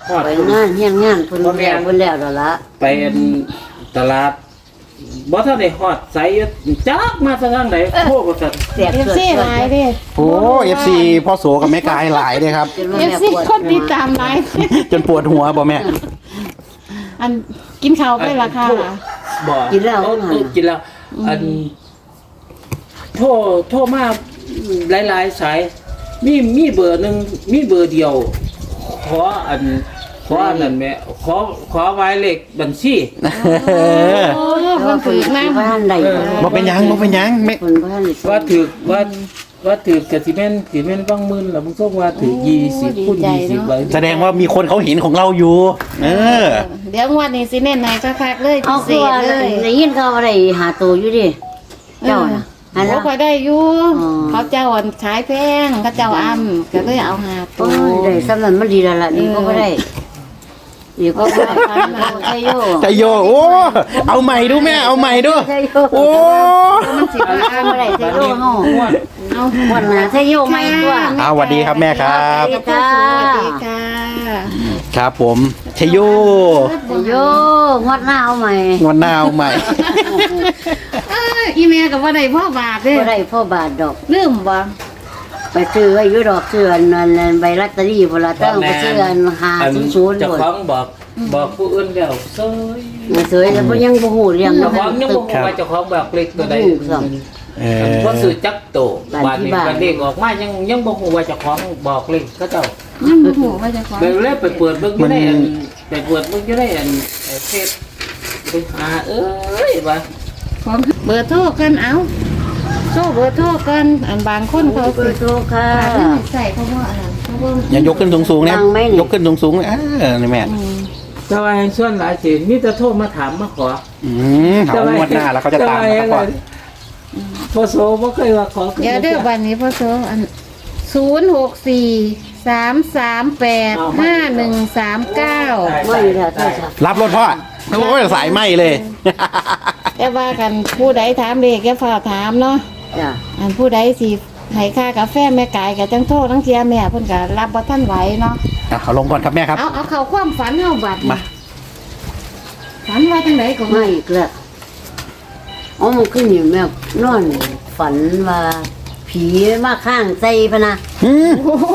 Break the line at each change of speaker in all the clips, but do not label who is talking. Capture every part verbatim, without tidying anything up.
ฮอด
ไปงานเฮียนงานเพิ่นแล้วเพิ่นแล้วแล้วล่ะ
ไปตลาดบ่ทันได้ฮอดไสจักมาซะทางใดโทรบ่ทัน
เสีย
เอฟ
เกิด
ซีหลายเด้
โอ้เอฟซีพ่อโสกับแม่กายหลายเลยครับ
จนว่า
เอฟ
แม่
ซี
ปวด
คนติดตามหลาย
จนปวดหัวบ่แม่
อันกินข้าวไปละค่ะ
บ่
กินแล้ว
เออ
นั่น
เออ
น่ะ
กินแล้ว อันโทรโทรมาหลายๆสายมีมีเบอร์หนึงมีเบอร์เดียว ขออันขออันนั้นแม่ขอขอหมายเลขบัญชี
โอ้
แต่
เพิ่
ว่าน เพิ่
ถื
น
อน้
บ่ทันได้
บ่เป็นหยังบ่เป็นหยังแม่
เพิ่นบ่ทันได้
ว่าถือว่าว่าถือกะสิแม่นสิแม่นบางหมื่นแล้วมึงส่งว่าถือยี่สิบคูณยี่สิบไว้
แสดงว่ามีคนเขาเห็นของเราอยู่ เออ
ำเดี๋ยวงวันนี้สิเน้นไหนคักๆเลย
เอา
พิเศ
คือ
ษ
ว่า
เลย
ได้ยินเขาว่าได้หาตัวอยู่ดิเจ้าน่ะอัน
เขา
นั้น
คอยได้อยู่
อ๋อ
เขาเจ้าอ่อนขายแพงเขาเจ้าอ้ำก็เลยเอาหาตั
โอ้
วย
ได้สำนั้นมันดีแล้วล่ะนี่ก็บ่ได้นี่ก็บ่ได้ใช่โย
ใจโยโอ้ เอาใหม่ดูแม่ เอาใหม่ดู
ใช่โย
โอ้
มันสิบ
บ่ได้ใช่โยเฮา
เอา
วันน่ะใช่โยใหม่ตัว
เอาสวัสดีครับแม่ครับ
สวัสดีค่ะ
ครับผมชยโย
ใช่โยงวดหน้าเอาใหม่
งวันหน้าเอาใหม่
เอ้ยอีเมลกับว่าได้พ่อบาทเด้
บ่ได้พ่อบาทดอก
ลืมบ่
ไปซื้อไว้อยู่ดอกซื้ออันนั้นใบลอตเตอรี่พุ่นล่ะตั้งไปซื้ออันห้า
อัน
ศูนย์
เจ้า
พุ่น
ของบอกบอกผู้อื่นแล้วเซย
มาสวยแล้วบ่ยังบ่ฮู้เรื่อง
เจ้า
เนาะ
ของยังบ่ฮู้ว่าเจ้าของบอกเลขตัวใด
เอ
บ่
อ
ซื้อจักโต
บ้าน
บาด
ที่
นี้
บ้าน
บัดเลขออกมายังยังบ่ฮู้ว่าเจ้าของบอกเลขเขาเจ้า
ยังบ่ฮู้ว่าจะขอ
ไปเลยไปเปิดเบิ่งอยู่ในอันไปเปิดเบิ่งอยู่ในอันเอ่อเฟซไปหาเอ้ยว่า
ของเบอร์โทรกันเอาโทรเบอร์โทรกันอันบางคนเขา
เบอ
สิ
ร์โทรค่ะ
ฝากเงินใส่เขาบ่อันนั้นเขาบ่
อย่ายกขึ้นสูงๆนะ
ดังไหมนี่
ยกขึ้นสูงๆเออนี่แม่
อืม
แต่ว่าส่วนหลายสิมีแต่โทรมาถามมาขอ
อืมถามงวดหน้าแล้วเขาจะตามมาก่อน
พอโซบ่เคยว่าขอ
เดี๋ยวเด้อวันนี้พ่อโซอันศูนย์หกสี่สามสามแปดห้าหนึ่งสามเก้า
ไม่แล้วโทรศัพท์
รับรถพ่อโอ้ยสายไหมเลย
แต่ว่ากันผู้ใดถามเลขแกฝากถามเนาะ
จ้ะ
อันผู้ใดสิให้ค่ากาแฟแม่กายกับจังโทษทั้งเทียแม่เพิ่นก็รับบ่ทันไหวเนาะ
อ่ะเอาลงก่อนครับแม่ครับ
เอาเอาเข้าความฝันเฮาบัด
มา
ฝันว่าจังไดก็
ไม่อีกแล้วอ๋อมันขึ้นอยู่แม่นอนฝันว่าผีมาข้างใจพะนะ
อืม
โอ้โห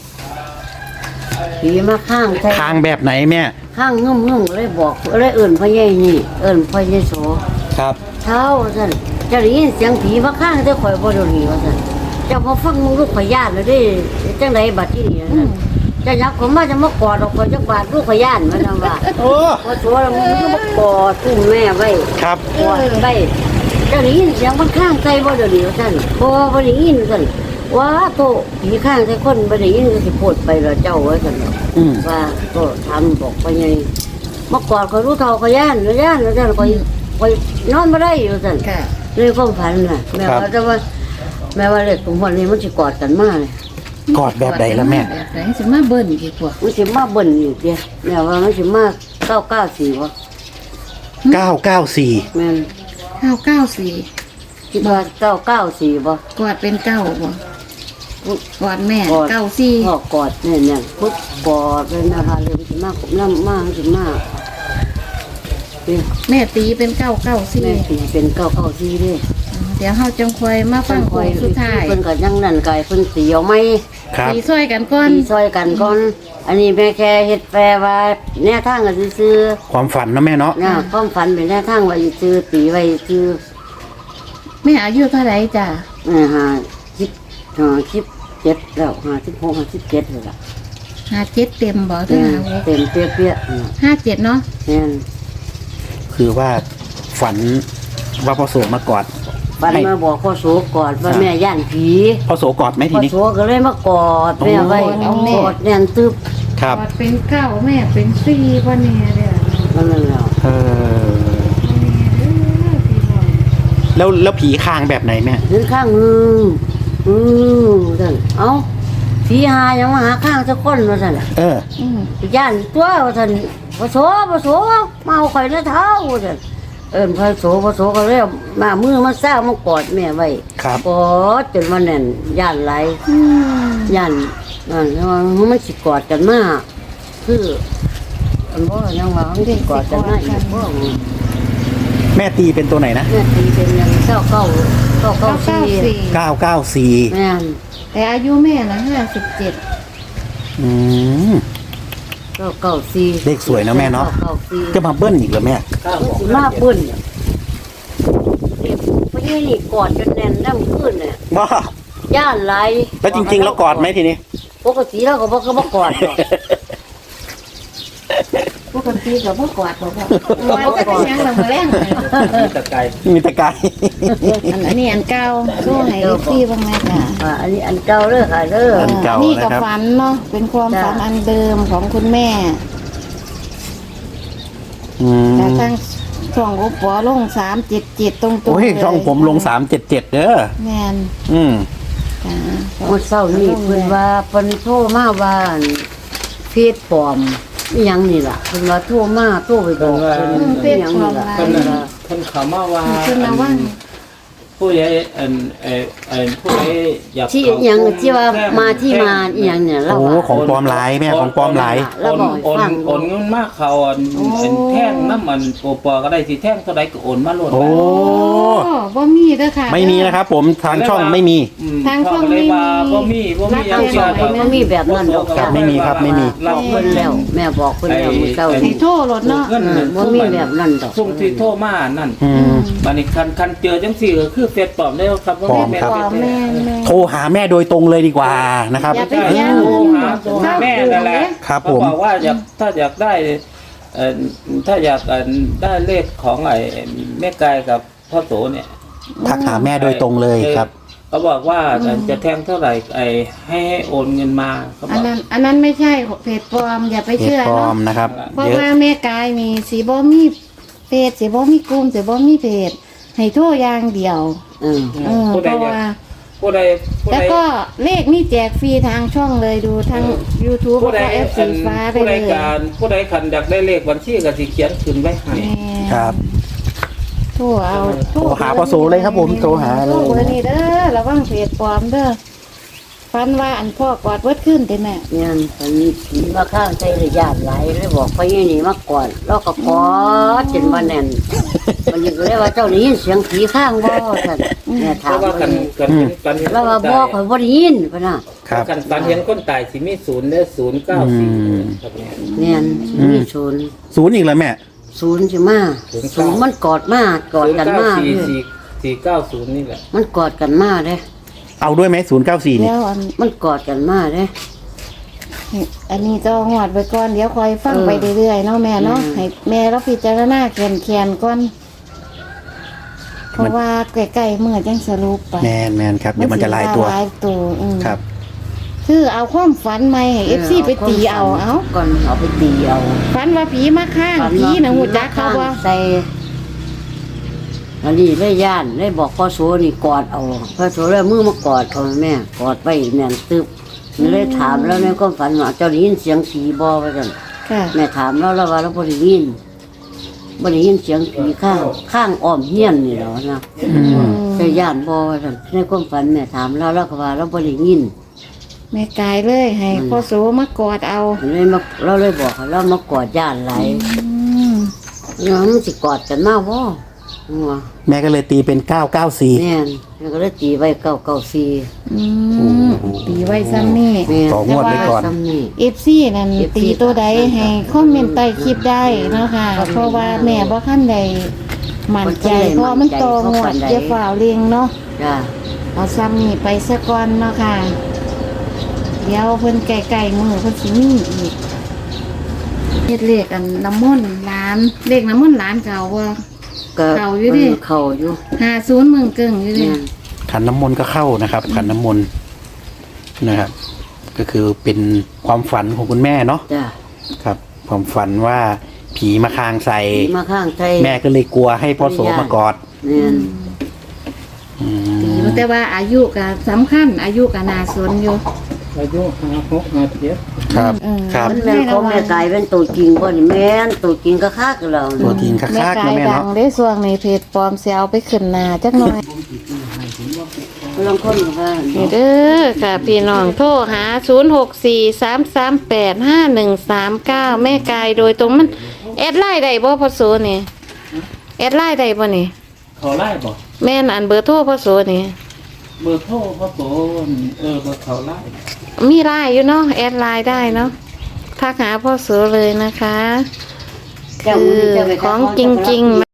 ผีมาข้างใจ
ทางแบบไหนแม่
ข้างงึ่มงึ่มเลยบอกเลยเอิ่นพ่อใหญ่นี่ เอิ่นพ่อใหญ่โส
ครับ
เช้าสั่นจะได้ยินเสียงผีมาข้างแต่ข่อยบ่โดนหนีว่าสั่นเจ้าพอฟังมึงลูกข่อยย่านเลยเด้จังไดบัดที่นี่นั่นจะยักผมมาจะมากอดออกข่อยจักบาดลูกข่อยย่านมันว่า
โอ้
พอโสแล้วมึงก็มากอดตุ้มแม่ไว้
ครับ
กอดไว้จะได้ยินเสียงมันข้างใจบ่โดนหนีว่าสั่นบ่บ่ได้ยินสั่นว่าโตผีข้างใจคนบ่ได้ยินก็สิโพดไปแล้วเจ้าว่าสั่น
อืม
ว่าก็ทำบอกไปไงเมื่อก่อนเขารู้เท่าเขาย่านเขาย่านแล้วท่านคอยคอยนอนไม่ได้อยู่ท่าน
ค่ะ
เลยความฝันน่ะแม่ว่าจะว่าแม่ว่าเล็กของวันนี้มันจะกอดกันมากเลย
กอดแบบไหนล่ะแม่
แบบไหนสิมาเบิ่นดีกว่า
มันจะมาเบิ่นอยู่เดียวแม่ว่ามันจะมาเก้าเก้าสี่วะ
เก้าเก้าสี่
แม่น
เก้าเก้าสี่
คิดว่าเก้าเก้าสี่วะ
กอดเป็นเก้าบ่กอดแม่
กอด
เก้าสี่
พ่อกอดเนี่ยเนี่ยพุทธกอดเลยนะคะเลยมันจะมากน้ำมากมันจะมากเนี่ย
แม่ตีเป็นเก้าเก้าสี่
แม่ตีเป็นเก้าเก้าสี่เด้วย
เดี๋ยวเฮาจังคอยมาฟังโค้งสุดท้าย
เพิ่นก็ยังนั่นไก่เพิ่นเสียวไหม
ครับ
ตีช่วยกันก่อน
ตีซอยกันก่อน อันนี้แม่แค่เฮ็ดแปลว่าแนวทางก็ซื้อ
ความฝันนะแม่เนาะ
ๆนะความฝันเป็นแนวทางว่าซื้อตีไว้ซื้อ
แม่อายุเท่าไหร่จ้ะ
เอ่อหาสิบหาสิบเจ็ดแล้วหาสิบหกหาสิบเจ็ดเลยล่ะ
ห้าเจ็ดเต็มบ่ถึง
เนี่ย
ห้าหก
เต็มเปี้ยๆน่ะ
ห้าเจ็ดเนาะ
เนี่ย
คือว่าฝันว่าพ่อโสมากอด
ฝันมาบอกพ่อโสกอดว่าแม่ย่านผี
พ่อโสกอดไหมที
พ่อ
นี้
โสก็เลยมากอดแม่ไว้กอดแน่นตึบ
ครับ
กอดเป็นเก้าแม่เป็นสี่บ่แน่เด้อ
นั่นแหละ
เออแล้วแล้วผีคางแบบไหนแม่
ถึงข้างนึงอืมท่านเอ้าผีหายังมาหาข้างสักคนว่าท่าน
เออ
อืม
ย่านตัวว่าท่านพอโสพอโสมาเอาข่อยในเท้าว่าท่านเอิ้นพอโสพอโสก็เลยเอามามือมาซ่ามากอดแม่ไว้
ครับ
กอดจนมันแน่นย่านไหล
อืม
ย่านนั่นแล้วมันสิกอดกันมาคืออันว่ายังว่ามันได้กอดกันได้อีกบ่
แม่ตีเป็นตัวไหนนะ
แม่ตีเป็นยังเก้าเก้าเก้าเก้า
เก้า
สี่
เก้าสี่
เก้าเก้าสี่
แม่น
แต่อายุแม่นะห้าสิบเจ็ด
อืม
เก้าเก้าสี่
เลขสวยนะแม่เนาะ
เก้าสี่
จะมาเบิ้ลอีกเหรอแม่
เก้าหก
สิมาเปิ้นเด็กพยี่นี่กอดจนแน่นน้ำขึ้นเนี่ย
บ้า
ย่านไหล
แล้วจริง ๆ แล้วกอดไหมทีนี้
ปกติเราก็บ่ก็บ่กอดหรอก
ปกติกับพ่อกอดบอกว่าว่าจะเป็นยังเรามาแรงเลย
มีตะไคร้
มีแตะไกาย
อันอันนี้อันเก่าสู้ให้เอฟซีบ้างไหมคะ
อ่าอันนี้อันเก่าเด้อค่ะเด้อ
อันเก่า
นี่กับ
นะครับ
ฝันเนาะเป็นความ
จ้ะ
ฝันอันเดิมของคุณแม่
อืม
แต่ตั้งช่องอุปอลงสามเจ็ดเจ็ดตรงๆ
โอ้ย
เลย
ช่องผมลงสามเจ็ดเจ็ดเด้อ
แมน
อืม
จ้า
เมื่อเช้านี้เพิ่นว่าเพิ่นโทรมาว่าเพจปลอมอีหยังนี่ล่ะเพิ่นว่าโทรมาโทรไปบอกเพิ่นอีหยังนี่ล่ะ
เพิ่นน่ะเพิ่นเขามาว่า
คุณนะว่า
ผู้ใหญ่อันเอ่อเอ่อผู้ใหญ่อยาก
ที่
เข้
อีหยัง
กลุ่
ที่ว่า
แท่ง
มาที่มาอีหยังเนี่ยเรา
โอ้
ว่า
ของปลอมหลายแม่ของปลอมหลาย
แล้วบอกให้
โอน
ฟัง
โอนเงินมากเขาอันอันแท่งน้ำมันโอปอก็ได้สิแท่งเท่าใดก็โอนมาโลด
โอ้
โอ้บ่มีเด้อค่ะ
ไม่มีนะครับผมทางช่องไม่มี
อืม
ทางช่อง
เขาก็เลยว่า
ไม่
บ่
มี
มีบ่มีหยัง
รับ
เกี่ยวกับ
มันมีแบบนั้นดอก
ครับไม่มีครับไม่มี
เรา
บอกเพิ่นแล้ว แม่บอกเพิ่นแล้วมื้อเช้า
ให้
นี้
โทษรถเนาะ
เงิน
เออบ่มีแบบนั้นดอก
ซุ่มที่โทรมานั่น
อืม
บัดนี้คันคันเจอจังซี่ก็คือเฟซปลอมได้แล้วครับ
ปลอม
แม่
ครับ
ปลอมแม่แม่
โทรหาแม่โดยตรงเลยดีกว่านะครับ
อย่าไป
ใช่
แย่ง
โทร
เงิน
หาโทรหาแม่นั่นแหละ
ครับ
เขา
ผม
บอกว่าอยากถ้าอยากได้เอ่อถ้าอยากเอ่อได้เลขของไอ้แม่กายกับพ่อโสเนี่ย
ทักหาแม่โดยตรงเลยครับ
เขาบอกว่าจะแทงเท่าไหร่ไอ้ให้ให้โอนเงินมาเขาบ
อั
อน ก
นั้นอันนั้นไม่ใช่เพจปลอมอย่าไป
เพจ
เชื่อ
ปลอ
เนาะ
มนะครับ
เพราะ
เยอะ
ว่าแม่กายมีสีบ่มีเพจสีบ่มีกลุ่มสีบ่มีเพจให้โทรอย่างเดียว
เออ
เออ
ผู้
เพ
ใด
ราะ
อยาก
ว่า
ผู้ใดผู้
แล้ว
ใด
ก็เลขนี่แจกฟรีทางช่องเลยดูทาง YouTube
ผู้
แล้ว
ใด
ก็แอป
อั
สี
น
ฟ้าไป
ผู้
เล
ใด
ย
การผู้ใดขันอยากได้เลขบัญชีก็สิเขียนขึ้นไว้ให้
แม่
ครับ
โทรเอา
โทรหาพ่อโสเลยครับผมโทรหาเลย
โทรเบอร์นี้เด้อระวังเพจปลอมเด้อฟันว่าอันพ่อกอดเวิดขึ้นเต็มแม่
เนี่ยเพิ่นผีมาข้างใจเลยญาติหลายเลยบอกพยี่นี่มาก่อนแล้วก็กอดจนว่าแน่นมันยังเลยว่าเจ้าได้ยินเสียงผีข้างบ่ซั่นแม่
เพ
ถาม
ราะว่ากันกันเห็นกันเห็น
แล้วว่า
คน
บ่
ตาย
ข่อยบ่ได้ยินเพิ่นน่ะ
ครับ
กันกันเห็นคนตายสิมีศูนย์เด้อศูนย์เก้าสี่
อืม
ครับเนี่ย
เนี่ยมีศูนย์
ศูนย์อีกแล้วแม่
ศูนย์สิมา
ศูนย์เก้า
ศูนย์มันกอดมากอด
ศูนย์
กัน
เก้า
มา
สี่
เด้อ
สี่สี่เก้าศูนย์นี่แหละ
มันกอดกันมาเด้อ
เอาด้วยไหมศูนย์เก้าสี่นี่
แล้วอัน
มันกอดกันมาเด้อ
อันนี้จะหอดไว้ก่อนเดี๋ยวคอยฟัง
เออ
ไปเรื่อยๆเนาะแม่เนาะ
อืม
ให้แม่เราพิจารณาแคนแคนๆก่อน เพราะว่าใกล้ๆเมื่อจังสรุปไป
แมนแมนครับเดี๋ยวมันจะลายตัว
ลายตัวอืม
ครับ
คือเอาความฝันใหม่ให้เอฟซีไปตีเอาเอา
ก่อนเอาไปตีเอา
ฝันว่าผีมาข้างผีนะหูจักเขาว่า
ใส่อันนี้ได้ย่านได้บอกพ่อโสนี่กอดเอาพ่อโสเลยมือมากอดเอาแม่กอดไปแน่นตึบมันเลยถามแล้วในความฝันว่าเจ้าได้ยินเสียงผีบ่ว่าซั่น
ค่ะ
แม่ถามแล้วแล้วว่าเราบ่ได้ยินบ่ได้ยินเสียงผีข้างข้างอ้อมเฮียนนี่แหล้วนะ
อืม
แต่ย่านบ่ว่าซั่นในความฝันแม่ถามแล้วแล้วก็ว่าเราบ่ได้ยิน
แม่กายเลยให้พ่อโสมากอดเอา
เลยมาเราเลยบอกให้เรามากอดย่านหลาย
อืม
เนี่ยมันสิกอดกันมาบ่หัว
แม่ก็เลยตีเป็นเก้าเก้าสี่
แม่นแล้วก็เลยตีไว้เก้าเก้าสี่
อืมตีไว้ซ้ำนี่
แม่น
ต่องวดไว้ก่อน
ซ้ำนี่
เอฟซีนั่น
เอฟซี
ตีตัวใดให้คอมเมนต์ใต้คลิปได้เนาะค่ะ เพราะว่าแม่บ่ขั้นใดมั่นใจเพราะมันโตงวดเจ้าฝ่าวเลียงเนาะ
จ้า
เอาซ้ำนี่ไปซะก่อนเนาะค่ะ เดี๋ยวเพิ่นไก่ๆมือเพิ่นสิมีอีกเฮ็ดเลขอันน้ำมนต์ร้านเลขน้ำมนต์ร้านเก่าว่า
ก็
เข้าอยู่ดิ
เข้าอยู่
ห้าศูนย์เมืองเกิงอยู่ดิ
แม่น
ขันน้ำมนต์ก็เข้านะครับ ขันน้ำมนต์นะครับ ก็คือเป็นความฝันของคุณแม่เนาะ
จ้า
ครับ ความฝันว่าผีมาคางใส่
มาข้างไทย
แม่ก็เลยกลัวให้พ่อโสมากอด
แม่น
อื
ตี
ม
แต่ว่าอายุก็สำคัญอายุก็น่าสนอยู่
อายุห้าหกห้าเจ็ด
ครับ
เออ
ครับ
มันแม่นของแม่กายเป็นตัวจริงบ่นี่แม่นตัวจริงก็คักแล้ว
ตัวจริงคั
แม่
กๆ
กา
นะ
ย
แม่
ดั
เนาะ
งได้ส่วงในเพจปลอมเสียเอาไปขึ้นหน้าจักหน่อย
ลองคนก็ว่า
นี่เด้อค่ะพี่น้องโทรหาศูนย์ หก สี่ สาม สาม แปด ห้า หนึ่ง สาม เก้าแม่กายโดยตรงมันแอดไลน์ได้บ่พ่อโสนี่แอดไลน์ได้บ่นี่
เขาไล่บอก
แม่นอันเบอร์โทรพ่อโสนี่
เบอร์โทรพ่อโสเออเบอร์เขาไล่
มีไลน์อยู่เนาะแอดไลน์ได้เนาะทักหาพ่อโสเลยนะคะ
เจ้า
คื
มือ
อ
เจ้าไป
ของ
ทัก
จริงๆ